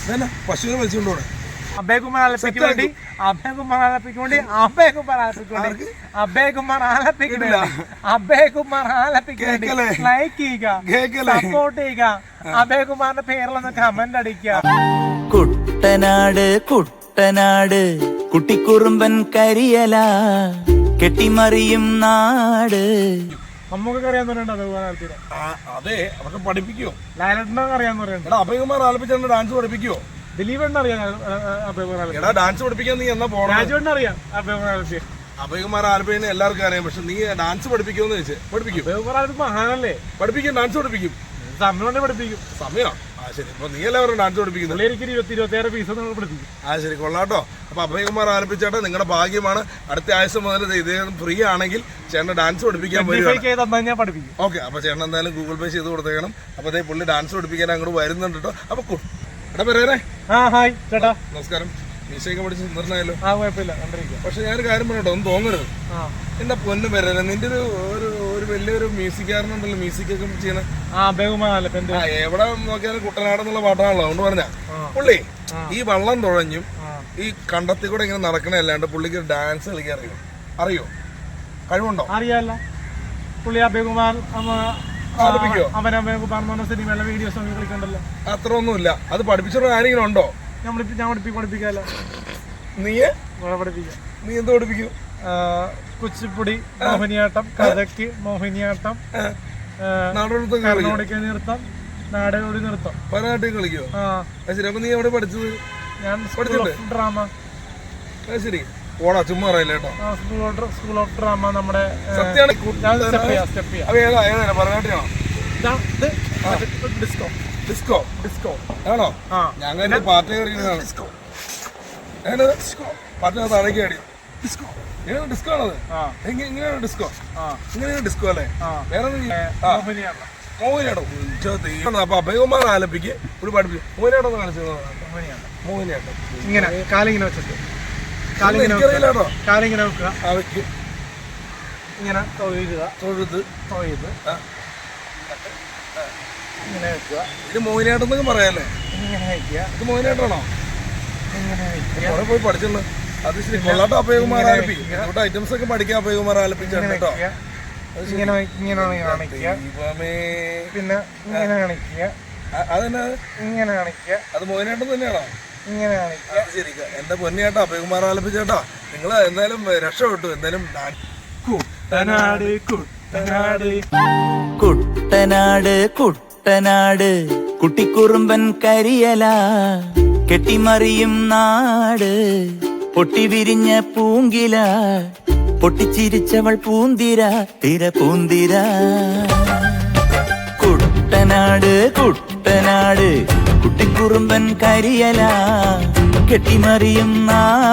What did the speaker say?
പശുവിനെ വലിച്ചുകൊണ്ടോടെ അഭയകുമാർ ആലപ്പിക്ക് വേണ്ടി അഭയകുമാർ ആലപ്പിക്ക് വേണ്ടി അഭയകുമാർ ആലപ്പിക്ക് വേണ്ടി അഭയകുമാർ ആലപ്പിക്ക് വേണ്ടി അഭയകുമാർ ആലപ്പിക്ക് വേണ്ടി ലൈക്ക് ചെയ്യുക, സപ്പോർട്ട് ചെയ്യുക, അഭയകുമാറിന്റെ പേരിലൊന്ന് കമന്റ് അടിക്കുക. കുട്ടനാട് കുട്ടനാട് കുട്ടിക്കുറുമ്പൻ കരിയല കെട്ടിമറിയും നാട്. നമുക്കൊക്കെ അറിയാന്ന് പറയണ്ട അഭയകുമാർ ആലപ്പിനെ. അതെ, അവർക്ക് പഠിപ്പിക്കോ? ലൈലറ്റിനൊക്കെ അറിയാന്ന് പറയണ്ട. അഭയകുമാർ ആലപ്പിച്ച ഡാൻസ് പഠിപ്പിക്കോ? ദിലീപേണ്ണ അറിയാം അഭയകുമാർ ആലപ്പി. എടാ ഡാൻസ് പഠിപ്പിക്കാൻ നീ എന്നാ പോണം? രാജുവേണ്ണ അറിയാം അഭയകുമാർ ആലപ്പി. അഭയകുമാർ ആലപ്പിനെ എല്ലാവർക്കും അറിയാം, പക്ഷെ നീ ഡാൻസ് പഠിപ്പിക്കുമെന്ന് ചോദിച്ചേ. പഠിപ്പിക്കും. അഭയകുമാർ ആലപ്പി മഹാനല്ലേ, പഠിപ്പിക്കും, ഡാൻസ് പഠിപ്പിക്കും. സമയം കൊണ്ട് പഠിപ്പിക്കും. സമയം ശരി. അപ്പൊ നീ എല്ലാവരും ഡാൻസ് പഠിപ്പിക്കുന്നു. എനിക്ക് 20-26 ഫീസ് പഠിപ്പിക്കും. ശരി, കൊള്ളാട്ടോ. അപ്പൊ അഭയകുമാർ ആലപ്പിച്ചേട്ടാ നിങ്ങളുടെ ഭാഗ്യമാണ്. അടുത്ത ആഴ്ച മുതൽ ഇദ്ദേഹം ഫ്രീ ആണെങ്കിൽ ചേട്ടൻ ഡാൻസ് പഠിപ്പിക്കാൻ പഠിപ്പിക്കും. ഓക്കെ, അപ്പൊ ചേട്ടൻ എന്തായാലും ഗൂഗിൾ പേ ചെയ്ത് കൊടുത്തേക്കണം. അപ്പൊ അതേ പുള്ളി ഡാൻസ് പഠിപ്പിക്കാൻ അങ്ങോട്ട് വരുന്നുണ്ട് കേട്ടോ. അപ്പൊ എടാ പേരേ. ഹായ് ചേട്ടാ, നമസ്കാരം. മീശയൊക്കെ പഠിച്ച് സുന്ദരനായല്ലോ. കുഴപ്പമില്ല, കണ്ടിരിക്കുക. പക്ഷെ ഞാനൊരു കാര്യം പറഞ്ഞോ, ഒന്നും തോന്നരുത്. എന്റെ പൊന്നു പേരേ, നിന്റെ ഒരു വലിയൊരു മ്യൂസിക്കാരനുണ്ടല്ലോ, മ്യൂസിക്കൊക്കെ ചെയ്യണ എവിടെ നോക്കിയാലും കുട്ടനാടെന്നുള്ള പാട്ടാണല്ലോ. അതുകൊണ്ട് പറഞ്ഞ പുള്ളി ഈ വള്ളം തുഴഞ്ഞും ഈ കണ്ടത്തിൽ കൂടെ ഇങ്ങനെ നടക്കണ അല്ലാണ്ട് പുള്ളിക്ക് ഡാൻസ് കളിക്കാൻ അറിയോ? കഴിവുണ്ടോ? അറിയാലോ. പുള്ളി അഭയകുമാർ സിനിമയിലെ വീഡിയോസ് കളിക്കണ്ടല്ലോ. അത്ര ഒന്നുമില്ല. അത് പഠിപ്പിച്ചിട്ട് ആരെങ്കിലും ഉണ്ടോ? ഞാൻ പഠിപ്പിക്കാലോ. നീ പഠിപ്പിക്കാം. നീ എന്ത് പഠിപ്പിക്കും? കുച്ചിപ്പുടി, മോഹിനിയാട്ടം, കഥക്ക്, മോഹിനിയാട്ടം, കർണാടക നൃത്തം, നാടോടി നൃത്തം. പരനാട്ടിൽ കളിക്കോ? ശരി. അപ്പൊ നീ എവിടെ പഠിച്ചത്? ഞാൻ ഡ്രാമ. ശരി, ഓടാ ചുമ്മാ അറിയില്ല കേട്ടോ. സ്കൂൾ ഓഫ് ഡ്രാമ നമ്മുടെ പരനാട്ടിയാണോ? ഡിസ്കോ ഡിസ്കോ ഡിസ്കോ ആണോ? ഞങ്ങൾ പാർട്ടി പാട്ടിനകത്ത് അടക്കി അടി ഡിസ്കോ. ഡിസ്കോ ആണത്. ഇങ്ങനെയാണ് ഡിസ്കോ. ഇങ്ങനെയാണ് ഡിസ്കോ അല്ലേ? വേറെ മോഹിനിയാട്ടം. അപ്പൊ അഭയകുമാർ ആലപ്പിക്ക് ഒരു പഠിപ്പിച്ചു. മോഹിനിയാട്ടം ഒന്ന് കാണിച്ചു. മോഹിനിയാട്ടം ഇങ്ങനെ കാലിങ്ങനെ വെച്ചിട്ട് എനിക്കറിയില്ലാട്ടോ. കാലിങ്ങനെ വെക്കുക, വെക്കും. ഇങ്ങനെ തൊഴുത് ഇങ്ങനെ വെക്കുക. ഇത് മോഹിനിയാട്ടം എന്നൊക്കെ പറയാല്ലേ? ഇങ്ങനെ വെക്കുക. ഇത് മോഹിനിയാട്ടമാണോ? ഇങ്ങനെ വെക്കുക. അവിടെ പോയി പഠിച്ചുള്ളൂ. അത് ശരി, കൊള്ളാട്ടോ. അഭയകുമാർ ആലപ്പി ഇവിടെ ഐറ്റംസ് ഒക്കെ പഠിക്കാം. അഭയകുമാർ ആലപ്പിച്ചാണ് കേട്ടോ. ഇങ്ങനെ കാണിക്കുക, പിന്നെ ഇങ്ങനെ കാണിക്കുക, അതെന്നാ ഇങ്ങനെ കാണിക്കുക. അത് മോഹിനിയാട്ടം തന്നെയാണോ? ഇങ്ങനെ കാണിക്കുക. ശരി, എന്റെ പൊന്നിയാട്ടോ അഭയകുമാർ ആലപ്പിച്ചേട്ടാ. നിങ്ങൾ എന്തായാലും രക്ഷപ്പെട്ടു. എന്തായാലും കുട്ടനാട് കുട്ടനാട് കുട്ടനാട് കുട്ടനാട് കുട്ടിക്കുറുമ്പൻ കരിയല കെട്ടിമറിയും നാട്. പൊട്ടിവിരിഞ്ഞ പൂങ്കില പൊട്ടിച്ചിരിച്ചവൾ പൂന്തിര തിര പൂന്തിര. കുട്ടനാട് കുട്ടനാട് കുട്ടിക്കുറുമ്പൻ കരിയല കെട്ടിമറിയും നാട്.